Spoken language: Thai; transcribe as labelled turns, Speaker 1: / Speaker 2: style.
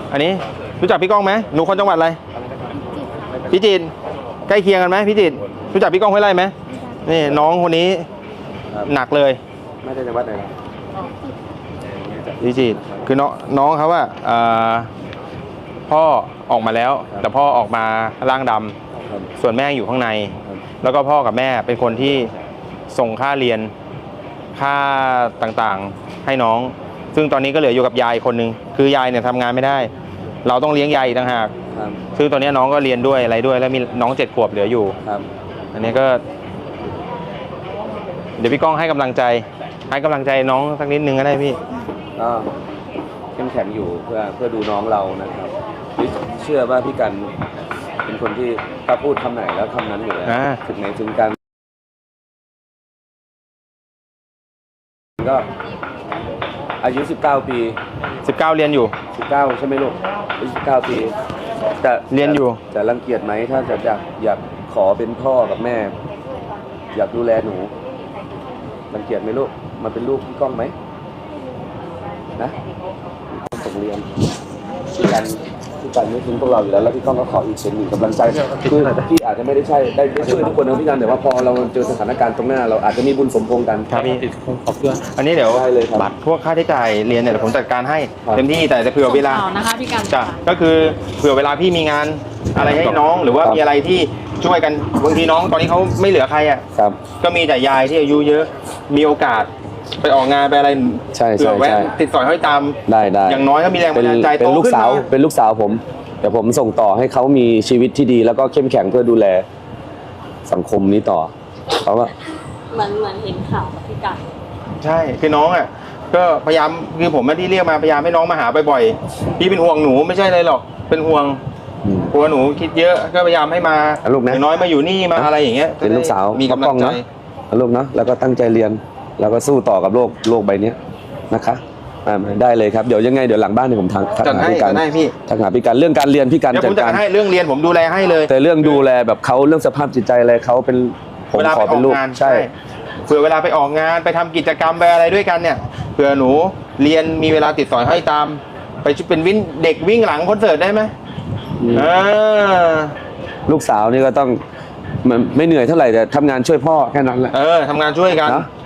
Speaker 1: อันนี้รู้จักพี่ก้องไหมหนูคนจังหวัดอะไรพิจิตรใกล้เคียงกันไหมพิจิตรรู้จักพี่ก้องห้วยไร่ไหมนี่น้องคนนี้หนักเลย
Speaker 2: ไม่ได้จังหวัดไหน
Speaker 1: พิจิตรคือน้องเขาว่าพ่อออกมาแล้วแต่พ่อออกมาร่างดำส่วนแม่อยู่ข้างในแล้วก็พ่อกับแม่เป็นคนที่ส่งค่าเรียนค่าต่างๆให้น้องซึ่งตอนนี้ก็เหลืออยู่กับยายคนนึงคือยายเนี่ยทำงานไม่ได้เราต้องเลี้ยงยายอีกต่างหากซึ่งตอนนี้น้องก็เรียนด้วยอะไรด้วยแล้วมีน้อง7 ขวบเหลืออยู่อันนี้ก็เดี๋ยวพี่ก้องให้กำลังใจน้องสักนิดนึงก็ได้พี่
Speaker 2: ก็เข้มแข็งอยู่เพื่อดูน้องเรานะครับเชื่อว่าพี่กันเป็นคนที่ถ้าพูดคำไหนแล้วคำนั้นอยู่แล้วถึงไหนถึงกันก็อายุ19 ปี
Speaker 1: 19เรียนอยู่
Speaker 2: 19ใช่ไหมลูก19 ปีจะ
Speaker 1: เรียนอยู่
Speaker 2: จะรังเกียจไหมถ้าจะอยากขอเป็นพ่อกับแม่อยากดูแลหนูรังเกียจไหมลูกมาเป็นลูกพี่ก้องไหมนะส่งเรียนพี่กันไม่ทิ้งพวกเราอยู่แล้วแล้วพี่ก้องก็ขออีกเป็นหนึ่งกำลังใจคือพี่อาจจะไม่ได้ได้ช่วยทุกคนนะพี่กันแต่ว่าพอเราเจอสถานการณ์ตรงหน้าเราอาจจะมีบุญสมพงษ์กัน
Speaker 1: ครับพี่ขอบคุณอันนี้เดี๋ยวบัตรพวกค่าใช้จ่ายเรียนเนี่ยผมจัดการให้เต็มที่แต่จะเผื่อเวลา
Speaker 3: นะคะพี่กัน
Speaker 1: จ้ะก็คือเผื่อเวลาพี่มีงานอะไรให้น้องหรือว่ามีอะไรที่ช่วยกันบางทีน้องตอนนี้เขาไม่เหลือใครอ่ะก็มีแต่ยายที่อายุเยอะมีโอกาสไปออกงานไปอะไรเผื่อแวะติดสอยห้อยตาม
Speaker 2: ได้
Speaker 1: อย่างน้อยก็มีแรงบันดาลใจ
Speaker 2: เป็นลูกสาวผมเดี๋ยวผมส่งต่อให้เขามีชีวิตที่ดีแล้วก็เข้มแข็งเพื่อดูแลสังคมนี้ต่อเขาว่า
Speaker 3: เหมือนเห็นข่าวกับพี่กัน
Speaker 1: ใช่คือน้องอ่ะก็พยายามคือผมที่เรียกมาพยายามให้น้องมาหาบ่อยๆพี่เป็นห่วงหนูไม่ใช่เลยหรอกเป็นห่วงกลัวหนูคิดเยอะก็พยายามให้มาอย่างน้อยมาอยู่นี่มาอะไรอย่างเงี้ย
Speaker 2: เป็นลูกสาว
Speaker 1: มีกำลังใจ
Speaker 2: ลูกเนาะแล้วก็ตั้งใจเรียนแล้วก็สู้ต่อกับโลกใบนี้นะคะได้เลยครับเดี๋ยวยังไงเดี๋ยวหลังบ้านเนี่ยผมทักหาพี่กันทักหาพี่กันเรื่องการเรียนพี่กัน
Speaker 1: จัดการให้เรื่องเรียนผมดูแลให้เลย
Speaker 2: แต่เรื่องดูแลแบบเขาเรื่องสภาพจิตใจอะไรเขาเป็นผมขอเป็นลูกใช่
Speaker 1: เผื่อเวลาไปออกงานไปทำกิจกรรมไปอะไรด้วยกันเนี่ยเผื่อหนูเรียนมีเวลาติดสอยห้อยตามไปเป็นเด็กวิ่งหลังคอนเสิร์ตได้ไหม
Speaker 2: ลูกสาวนี่ก็ต้องไม่เหนื่อยเท่าไหร่แต่ทำงานช่วยพ่อแค่นั้นแหละ
Speaker 1: ทำงานช่วยกัน